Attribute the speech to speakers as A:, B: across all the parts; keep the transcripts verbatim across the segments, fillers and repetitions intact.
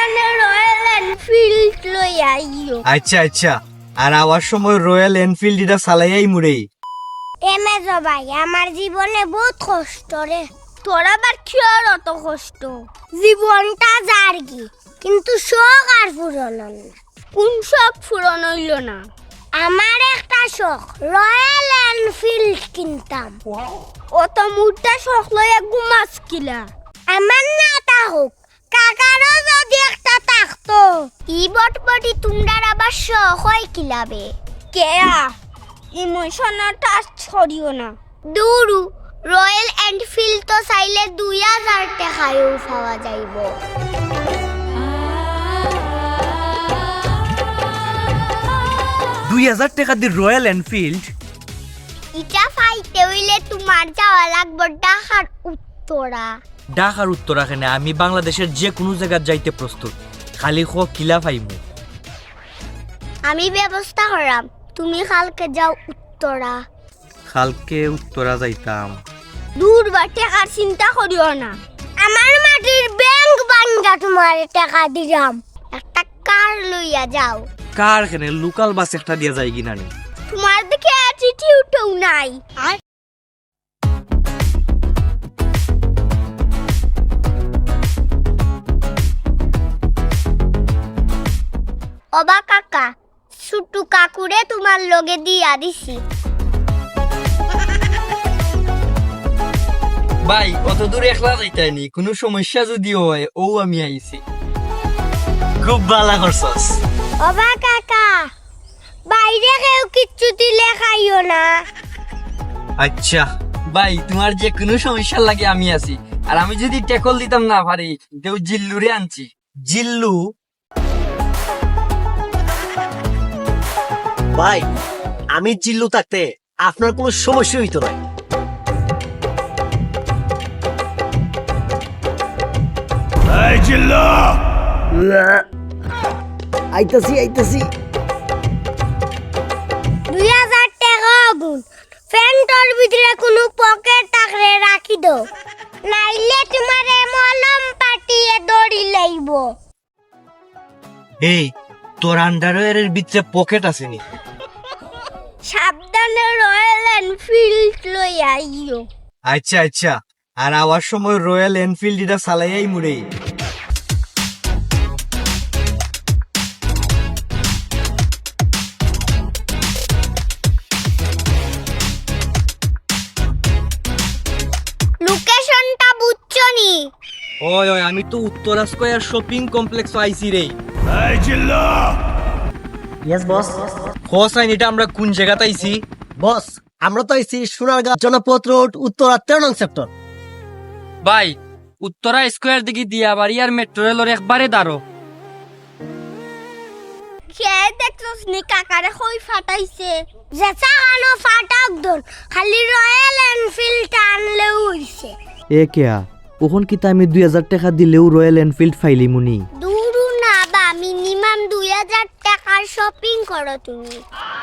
A: সাবধানে royal Enfield লই আইও।
B: আচ্ছা আচ্ছা, আর আওয়ার সময় রয়্যাল এনফিল্ড এটা চালাইয়াই মুড়ে।
A: এমেজ ভাই, আমার জীবনে বহুত কষ্ট রে। তোর আবার কি আর অত কষ্ট? জীবনটা জার্গি, কিন্তু শখ আর পূরণ হল না। কোন শখ পূরণ হইল না? আমার একটা শখ, রয়্যাল এনফিল্ড কিনতাম। অত মুডটা শখ লইয়া ঘুমাস কিলা? আমার না থাকুক, কাকারও যদি একটা থাকতো। ই বটবটি তোমরা আবার শখ হয় কিলাবে? কেয়া ইমোশনাল টাচ ছড়িও না। দূরু রয়্যাল এনফিল্ড তো চাইলে দুই হাজার টাকায়ও পাওয়া যাইব।
B: দুই হাজার টাকা দিয়ে রয়্যাল এনফিল্ড?
A: ইটা পাইতে হইলে তোমার যাওয়া লাগবে ঢাকার উত্তরা।
B: ঢাকার উত্তরাখানে আমি বাংলাদেশের যে কোনো জায়গা যাইতে প্রস্তুত, খালি খো কিলা পাইমু।
A: আমি ব্যবস্থা করাম, তুমি কালকে যাও উত্তরা।
B: কালকে উত্তরা যাইতাম?
A: দূর বা টাকার চিন্তা করিও না, আমার মাটির ব্যাংক বাঙ্গা তোমার টাকা দিলাম। একটা কার লইয়া যাও।
B: কার খানে লোকাল বাস একটা দিয়া যায় কিনা নি?
A: তোমার দিকে অ্যাটিটিউডও নাই। অবা কাকা, ছুটু কাকুরে তোমার লগে দিয়া দিছি।
B: ভাই অত দূরে একলা যাইতাইনি, কোনো সমস্যা যদি হয় ও আমি আইছি। খুব ভালো করছস।
A: অবা কাকা, বাইরে কেউ কিচ্ছু দিলে খাইও না।
B: আচ্ছা ভাই, তোমার যে কোনো সমস্যা লাগে আমি আছি। আর আমি যদি টেকল দিতাম না পারি, দেও জিল্লুরে আনছি। জিল্লু
C: ভাই, আমি জিল্লু থাকতে আপনার কোনো সমস্যা হইতো না। আইতাছি আইতাছি।
A: দুই হাজার টাকা আগুন ফ্যান্টর ভিতরে কোনো পকেট থাকলে রাখি দো, নাইলে তোমার মলম পাটিয়ে দড়ি লাইব।
B: এই তোর আন্ডারওয়্যারের ভিতরে পকেট আসেনি?
A: সাবধানে রয়্যাল এনফিল্ড লই আইও।
B: আচ্ছা আচ্ছা, আর আওয়ার সময় রয়্যাল এনফিল্ড এটা চালাইয়াই মুড়ে।
A: লোকেশনটা বুঝছো নি?
B: ওই ওই, আমি তো উত্তরা স্কয়ার শপিং কমপ্লেক্স আইছি রে।
C: Yes boss.
B: হোসাইন, এটা আমরা কোন জায়গাতে আইছি?
C: বস, আমরা তো আইছি সোনারগাঁ জনপথ রোড, উত্তরা তেরো নং সেক্টর।
D: ভাই, উত্তরা স্কোয়ার দিকে দিয়া বাড়ি আর মেট্রো রেলের একবারে দাঁড়ো।
A: কে দেখছস নি কাকারে কই ফাটাইছে? জেসা আনো ফাটাক দন, খালি রয়্যাল এনফিল্ড আনলেও হইছে।
E: এ কেয়া, ওখন কিতা আমি দুই হাজার টাকা দিলেও রয়্যাল এনফিল্ড ফাইলি মুনি?
A: দূরু না বা, মিনিমাম দুই হাজার টাকার শপিং করো তুমি।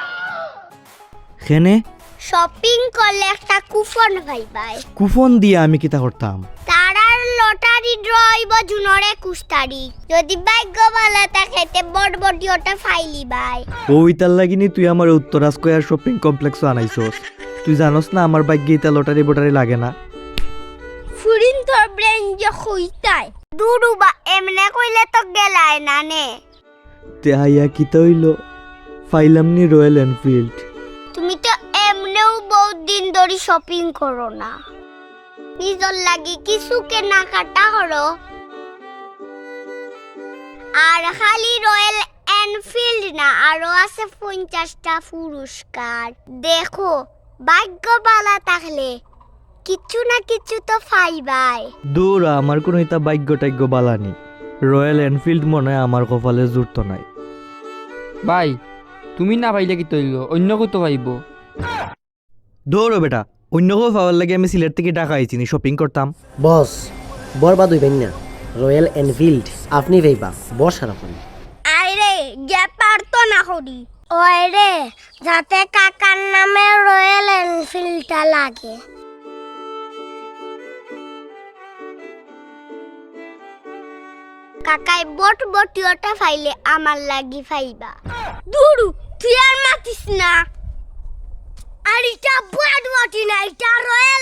E: খেনে
A: শপিং করলে একটা কুপন পাইবাই।
E: কুপন দিয়ে আমি কিতা করতাম?
A: তারার লটারি ড্র হইব জুনের একুশ তারিখ। যদি ভাগ্য ভালো থাকে তে বড় বড়ি ওটা ফাইলি বাই।
E: ওই তার লাগিনি তুই আমার উত্তরা স্কয়ার শপিং কমপ্লেক্স আনাইছস। তুই জানোস না আমার ভাগ্যে ইতা লটারি বটারি লাগে না।
A: ফুরিন তোর ব্রেন যে খুইতাই। দুরু বা এমনে কইলে তো গেলাই না নে।
E: তেহাইয়া কিতা হইল, ফাইলাম নি রয়্যাল এনফিল্ড।
A: তুমি তো এমনেও বহুত দিন ধরে শপিং করো না, নিজের লাগি কিছু কেনাকাটা করো। আর খালি রয়্যাল এনফিল্ড না, আরো আছে পঞ্চাশটা পুরস্কার। দেখো, ভাগ্য ভালো থাকলে কিছু না কিছু তো পাইবাই।
E: দূর, আমার কোনো ইতা ভাগ্য টাগ্য বালানি। রয়্যাল এনফিল্ড মনে হয় আমার কপালে জুড়তো নাই।
D: ভাই, তুমি না পাইলে কি তৈল, অন্য কত পাইব?
E: দৌড়ো বেটা, অন্য কেউ পাওয়ার লাগে আমি সিলেট থেকে টাকা আইছি নি শপিং করতাম।
C: বস, বরবাদ হইবেন না। রয়্যাল এনফিল্ড আপনি ভাইবা, বর্ষা রাখুন।
A: আরে গ্যাপার তো না করি। ওই রে, যাতে কাকার নামে রয়্যাল এনফিল্ডটা লাগে। কাকাই বট বটিওটা ফাইলে আমার লাগি ফাইবা দুরু তুই আর মাতিস না আর এটা বট বটি না এটা রয়ে